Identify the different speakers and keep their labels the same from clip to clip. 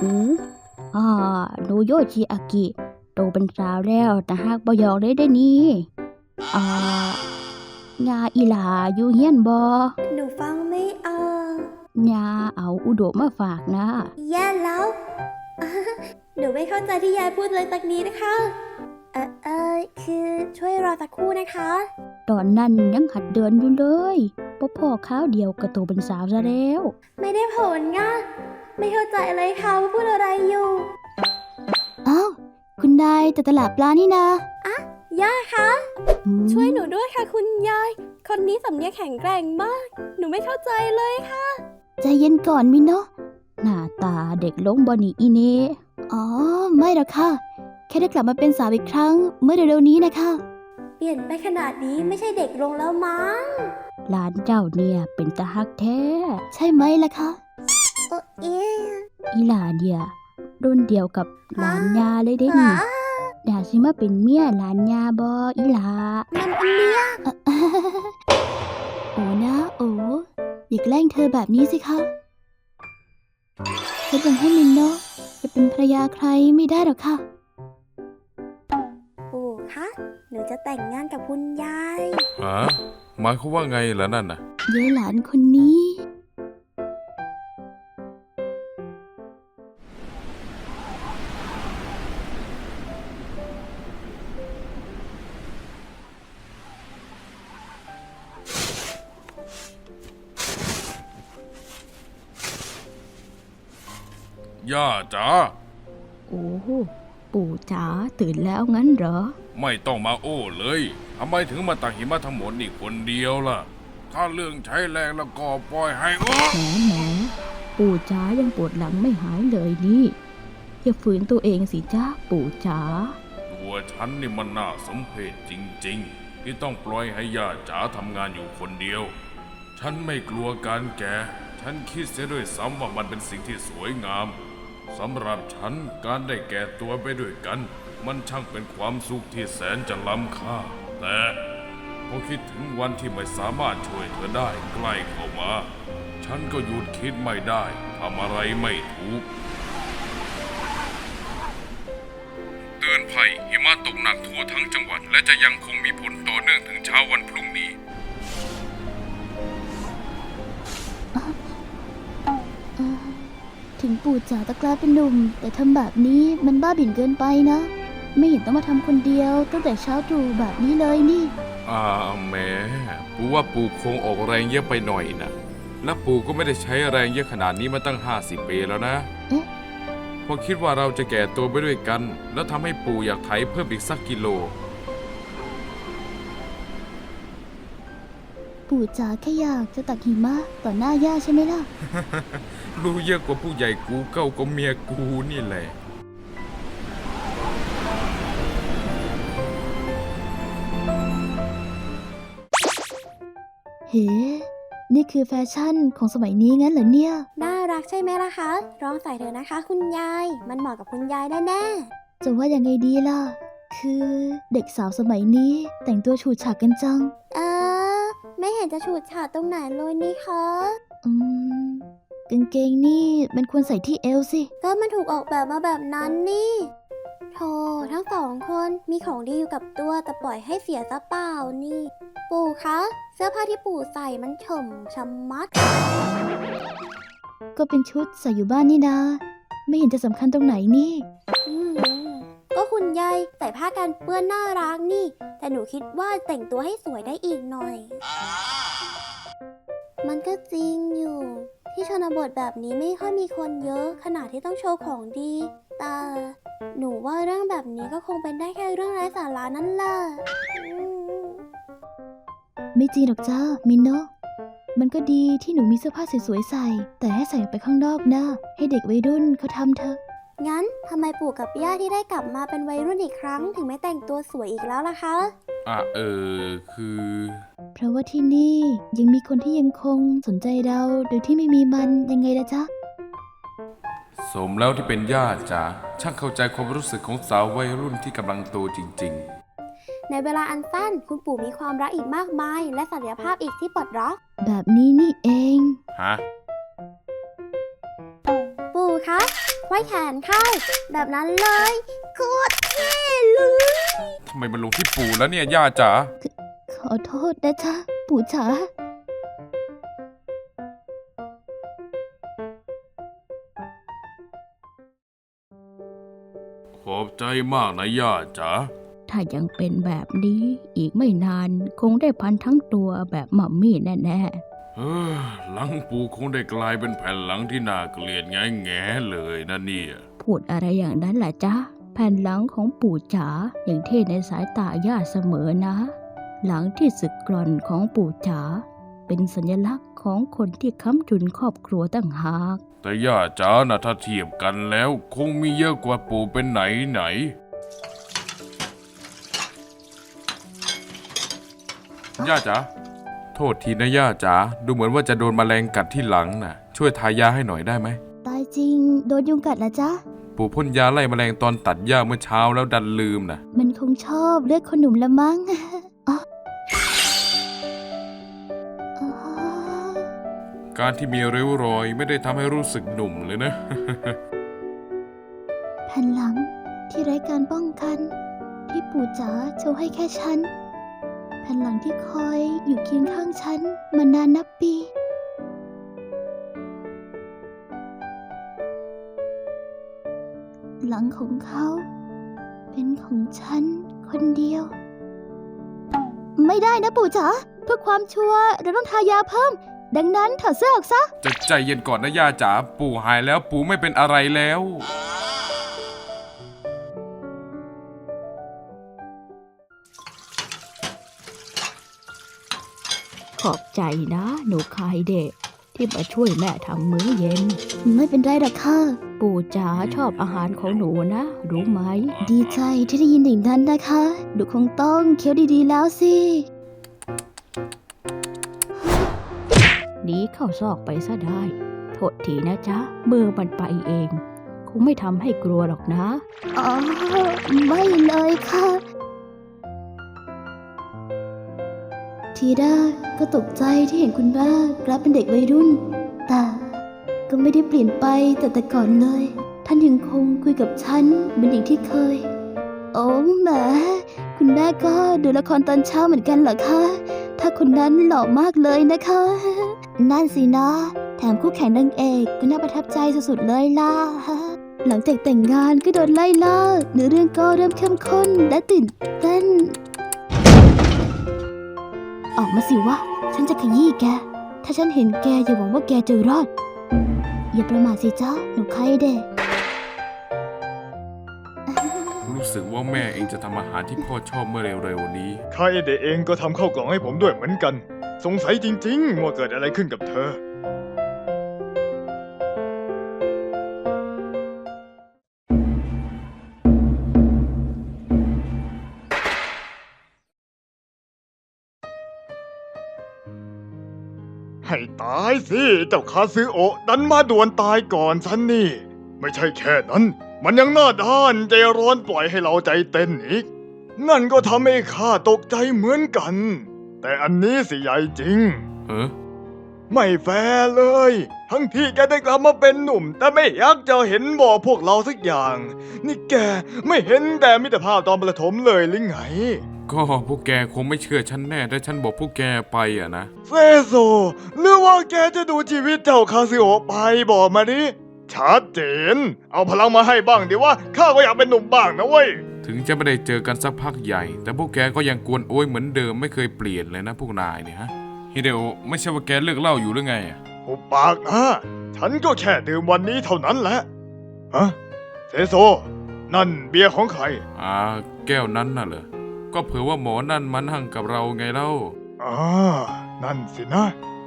Speaker 1: อืออ่าหนูโยชิอากิโตเป็นสาวแล้วแต่หากบ่ยอกเลยได้นี่อ่ายาอีหลาอยู่เฮียนบ่
Speaker 2: หนูฟังไม่ออก
Speaker 1: ยาเอาอุดมมาฝากนะ
Speaker 2: แย่แล้ว หนูไม่เข้าใจที่ยายพูดเลยสักนี้นะคะ คือช่วยรอสักครู่นะคะ
Speaker 1: ตอนนั้นยังหัดเดินอยู่เลยพ่อข้าวเดียวก็โตเป็นสาวซะแล้ว
Speaker 2: ไม่ได้ผลง่ะไม่เข้าใจเลยค่ะว่าพูดอะไรอยู่
Speaker 1: อ้าวคุณนายแต่ตลาดปลานี่นะ
Speaker 2: ย่าคะ
Speaker 1: อืม
Speaker 2: ช่วยหนูด้วยค่ะคุณยาย คนนี้สำเนียงแข็งแกร่งมาก หนูไม่เข้าใจเลยค่ะ
Speaker 1: ใจเย็นก่อนมินเนาะหน้าตาเด็กลงบ่นี่อีเน่อ๋อไม่หรอกค่ะ แค่ได้กลับมาเป็นสาวอีกครั้งเมื่อเร็วๆนี้นะคะ
Speaker 2: เปลี่ยนไปขนาดนี้ไม่ใช่เด็กลงแล้วมั้ง
Speaker 1: หลานเจ้าเนี่ยเป็นตาฮักแท้ ใช่ไหมล่ะคะ
Speaker 2: เอ๊ะ
Speaker 1: อีหลาเนี่ยรุ่นเดียวกับหลานยาเลยเด้นี่อยากสิมาเป็นเมียหลานยาบออีหลา
Speaker 2: มันอันเนี้ย
Speaker 1: โอ้นะโอ้อย่าแกล้งเธอแบบนี้สิคะฉันยังให้มินโนะจะเป็นภรรยาใครไม่ได้หรอกค่ะ
Speaker 2: ปู่คะ หนูจะแต่งงานกับคุณยาย
Speaker 3: ฮะหมายความว่าไงล่ะนั่นน่ะ
Speaker 1: เย้หลานคนนี้
Speaker 3: ย่าจ๋า
Speaker 1: โอ้ปู่จ๋าตื่นแล้วงั้นเหรอ
Speaker 3: ไม่ต้องมาโอ้เลยทำไมถึงมาตักหิมะทั้งหมดนี่คนเดียวล่ะ ถ้าเรื่องใช้แรงแล้วก็ปล่อยให้โอ้
Speaker 1: แหมปู่จ๋ายังปวดหลังไม่หายเลยนี่อย่าฝืนตัวเองสิจ้าปู่จ๋า
Speaker 3: ตัวฉันนี่มันน่าสมเพชจริงๆ ที่ต้องปล่อยให้ย่าจ๋าทำงานอยู่คนเดียว ฉันไม่กลัวการแก่ฉันคิดเสียด้วยซ้ำว่ามันเป็นสิ่งที่สวยงามสำหรับฉันการได้แก่ตัวไปด้วยกัน มันช่างเป็นความสุขที่แสนจะล้ำค่า แต่พอคิดถึงวันที่ไม่สามารถช่วยเธอได้ใกล้เข้ามา ฉันก็หยุดคิดไม่ได้ทำอะไรไม่ถูก เตือนภัยหิมะตกหนักทั่วทั้งจังหวัดและจะยังคงมีผลต่อเนื่องถึงเช้าวันพรุ่งนี้
Speaker 1: ถึงปู่จ๋าตะกลายเป็นหนุ่ม แต่ทำแบบนี้มันบ้าบิ่นเกินไปนะ ไม่เห็นต้องมาทำคนเดียวตั้งแต่เช้าตรู่แบบนี้เลยนี่
Speaker 3: แหม่ปู่ว่าปู่คงออกแรงเยอะไปหน่อยนะและปู่ก็ไม่ได้ใช้แรงเยอะขนาดนี้มาตั้ง50 ปีแล้วนะ
Speaker 1: เอ๊ะ
Speaker 3: พอคิดว่าเราจะแก่ตัวไปด้วยกัน แล้วทำให้ปู่อยากไถเพิ่มอีกสักกิโล
Speaker 1: ปู่จ๋าแค่อยากจะตักหิมะต่อหน้าย่าใช่ไหมล่ะ
Speaker 3: รู้เยอะกว่าผู้ใหญ่กูเก้าก็เมียกูนี่แหละ
Speaker 1: เฮ้ นี่คือแฟชั่นของสมัยนี้งั้นเหรอเนี่ย
Speaker 2: น่ารักใช่ไหมล่ะคะลองใส่เถอะนะคะคุณยาย มันเหมาะกับคุณยายแน่
Speaker 1: จะว่ายังไงดีล่ะ คือเด็กสาวสมัยนี้แต่งตัวฉูดฉาดกันจัง
Speaker 2: ๆไม่เห็นจะฉูดฉาดตรงไหนเลยนี่คะ
Speaker 1: อืมกางเกงนี่มันควรใส่ที่เอวสิ
Speaker 2: ก็มันถูกออกแบบมาแบบนั้นนี่โธ่ทั้งสองคนมีของดีอยู่กับตัวแต่ปล่อยให้เสียซะเปล่านี่ ปู่คะ เสื้อผ้าที่ปู่ใส่มันเฉ่ำชะมัด
Speaker 1: ก็เป็นชุดใส่อยู่บ้านนี่นา ไม่เห็นจะสำคัญตรงไหนนี่
Speaker 2: อืมก็คุณยายใส่ผ้ากันเปื้อนน่ารักนี่ แต่หนูคิดว่าแต่งตัวให้สวยได้อีกหน่อย มันก็จริงอยู่ ที่ชนบทแบบนี้ไม่ค่อยมีคนเยอะขนาดที่ต้องโชว์ของดี แต่หนูว่าเรื่องแบบนี้ก็คงเป็นได้แค่เรื่องไร้สาระนั่นแหละอืม
Speaker 1: ไม่จริงหรอกจ้ามินโนะมันก็ดีที่หนูมีเสื้อผ้าสวยๆใส่ แต่ให้ใส่ออกไปข้างนอกนะ ให้เด็กวัยรุ่นเขาทำเถอะ
Speaker 2: งั้นทำไมปู่กับย่าที่ได้กลับมาเป็นวัยรุ่นอีกครั้ง ถึงไม่แต่งตัวสวยอีกแล้วล่ะคะ
Speaker 3: คือ
Speaker 1: เพราะว่าที่นี่ยังมีคนที่ยังคงสนใจเราโดยที่ไม่มีมันยังไงล่ะจ๊ะ
Speaker 3: สมแล้วที่เป็นญาติจ๋าช่างเข้าใจความรู้สึกของสาววัยรุ่นที่กำลังโตจริง
Speaker 2: ในเวลาอันสั้นคุณปู่มีความรักอีกมากมาย และศักยภาพอีกที่ปลดล็อก
Speaker 1: แบบนี้นี่เอง
Speaker 3: ๆ ฮะ
Speaker 2: ปู่คะ คว้แขนเข้า แบบนั้นเลยโคตรเท่เลย
Speaker 3: ทำไมมันลงที่ปู่แล้วเนี่ยย่าจ๋า
Speaker 1: ขอโทษนะจ๊ะปู่จ๋า
Speaker 3: ขอบใจมากนะย่าจ๋า
Speaker 1: ถ้ายังเป็นแบบนี้อีกไม่นานคงได้พันทั้งตัวแบบมัมมี่แน่
Speaker 3: หลังปู่คงได้กลายเป็นแผ่นหลังที่น่าเกลียดแง่ๆเลยนะเนี่ย
Speaker 1: ๆพูดอะไรอย่างนั้นล่ะจ๊ะแผ่นหลังของปู่จ๋าอย่างเท่ในสายตาย่าเสมอนะ หลังที่สึกกร่อนของปู่จ๋าเป็นสัญลักษณ์ของคนที่ค้ำจุนครอบครัวตั้งหาก
Speaker 3: แต่ย่าจ๋านะถ้าเทียบกันแล้วคงมีเยอะกว่าปู่เป็นไหนย่าจ๋าโทษทีนะย่าจ๋าดูเหมือนว่าจะโดนแมลงกัดที่หลังน่ะ ช่วยทายาให้หน่อยได้ไหม
Speaker 1: ตายจริงโดนยุงกัดละจ๊ะ
Speaker 3: ปู่พ่นยาไล่แมลงตอนตัดหญ้าเมื่อเช้าแล้วดันลืมน่ะ
Speaker 1: มันคงชอบเลือดคนหนุ่มละมั้ง อ๋ออ๋อ
Speaker 3: การที่มีริ้วรอยไม่ได้ทำให้รู้สึกหนุ่มเลยนะ
Speaker 1: แผ่นหลังที่ไร้การป้องกัน ที่ปู่จ๋าโชว์ให้แค่ฉัน แผ่นหลังที่คอยอยู่เคียงข้างฉันมานานนับปี หลังของเขา เป็นของฉันคนเดียว ไม่ได้นะปู่จ๋าเพื่อความชัวร์เราต้องทายาเพิ่ม ดังนั้นถอดเสื้อออกซะ
Speaker 3: จะใจเย็นก่อนนะย่าจ๋าปู่หายแล้วปู่ไม่เป็นอะไรแล้ว
Speaker 1: ขอบใจนะหนูคายเดะที่มาช่วยแม่ทำมื้อเย็น ไม่เป็นไรหรอกค่ะ ปู่จ๋าชอบอาหารของหนูนะ รู้ไหม ดีใจที่ได้ยินอย่างนั้นนะคะหนูคงต้องเคี้ยวดีๆแล้วสิหนีเข้าซอกไปซะได้ โทษทีนะจ๊ะมือมันไปเอง คงไม่ทำให้กลัวหรอกนะอ๋อไม่เลยค่ะ ทีแรกก็ตกใจที่เห็นคุณแม่กลับเป็นเด็กวัยรุ่น แต่ก็ไม่ได้เปลี่ยนไปแต่ก่อนเลย ท่านยังคงคุยกับฉันเหมือนอย่างที่เคย โอ้แหมคุณแม่ก็ดูละครตอนเช้าเหมือนกันเหรอคะ ถ้าคนนั้นหล่อมากเลยนะคะ นั่นสินะ แถมคู่แข่งนางเอกก็น่าประทับใจสุดๆเลยล่ะ หลังจากแต่งงานก็โดนไล่ล่าเนื้อเรื่องก็เริ่มเข้มข้นและตื่นเต้น ออกมาสิวะ ฉันจะขยี้แก ถ้าฉันเห็นแกอย่าหวังว่าแกจะรอด อย่าประมาทสิจ้าหนูใครเด็ก
Speaker 3: รู้สึกว่าแม่เองจะทำอาหารที่พ่อชอบเมื่อเร็วๆนี้
Speaker 4: ใครเดเองก็ทำข้าวกล่องให้ผมด้วยเหมือนกัน สงสัยจริงๆว่าเกิดอะไรขึ้นกับเธอ ให้ตายสิเจ้าคาซึโอะดันมาด่วนตายก่อนฉันนี่ ไม่ใช่แค่นั้น มันยังหน้าด้านใจร้อนปล่อยให้เราใจเต้นอีก นั่นก็ทำให้ข้าตกใจเหมือนกัน แต่อันนี้สิใหญ่จริง ไม่แฟร์เลย ทั้งที่แกได้กลับมาเป็นหนุ่ม แต่ไม่อยากจะเห็นบอกพวกเราสักอย่าง นี่แกไม่เห็นแต่มิตรภาพตอนประถมเลยหรือไง
Speaker 3: ก็พวกแกคงไม่เชื่อฉันแน่ถ้าฉันบอกพวกแกไปอะนะ
Speaker 4: เซโซหรือว่าแกจะดูชีวิตเจ้าคาซิโอะไปบอกมาดิชัดเจน เอาพลังมาให้บ้างดิว่าข้าก็อยากเป็นหนุ่มบ้างนะเว้ย
Speaker 3: ถึงจะไม่ได้เจอกันสักพักใหญ่ แต่พวกแกก็ยังกวนโอยเหมือนเดิมไม่เคยเปลี่ยนเลยนะพวกนายเนี่ยฮะฮิเดโอะไม่ใช่ว่าแกเลิกเหล้าอยู่หรือไงอะ
Speaker 4: หุบปากนะฉันก็แค่ดื่มวันนี้เท่านั้นแหละฮะเซโซ นั่นเบียร์ของใคร
Speaker 3: แก้วนั้นน่ะเหรอ ก็เผื่อว่าหมอนั่นมานั่งกับเราไงเล่า
Speaker 4: นั่นสินะ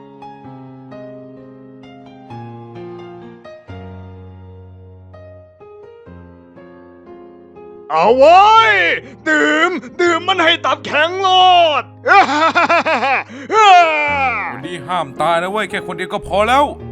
Speaker 4: เอาไว้ยดื่มมันให้ตับแข็งโลด
Speaker 3: วันนี้ห้ามตายนะเว้ยแค่คนเดียวก็พอแล้ว